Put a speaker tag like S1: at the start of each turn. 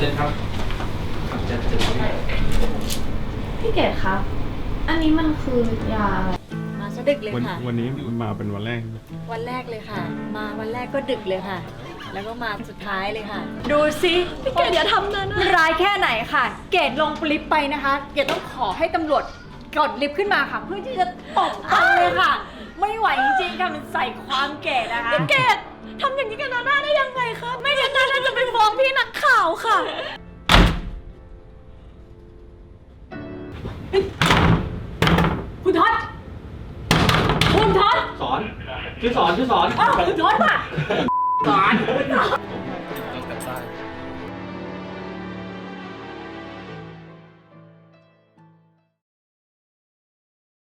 S1: ชิญครับเชิญ
S2: พี่เกดคะอันนี้มันคือยาอะไร
S3: มาซะดึกเลยค่ะ
S4: วันนี้มาเป็นวันแรก
S3: วันแรกเลยค่ะ มาวันแรกก็ดึกเลยค่ะ แล้วก็มาสุดท้ายเลยค่ะ ดูสิพี่เกดอย่าทำนะร้ายแค่ไหนค่ะ เกดลงลิฟต์ไปนะคะ เกดต้องขอให้ตำรวจกดลิฟต์ขึ้นมาค่ะ เพื่อที่จะตบกันเลยค่ะ ไม่ไหวจริงๆค่ะมันใส่ความเกดนะคะพี่เกดทำอย่างนี้กับนาน่าได้ยังไงคะไม่งั้นนาน่าจะไปฟ้องพี่นักข่าวค่ะคุณท็อตคุณท็อต
S1: สอนชื่อสอน
S3: คุณท็อตป่ะ
S1: สอน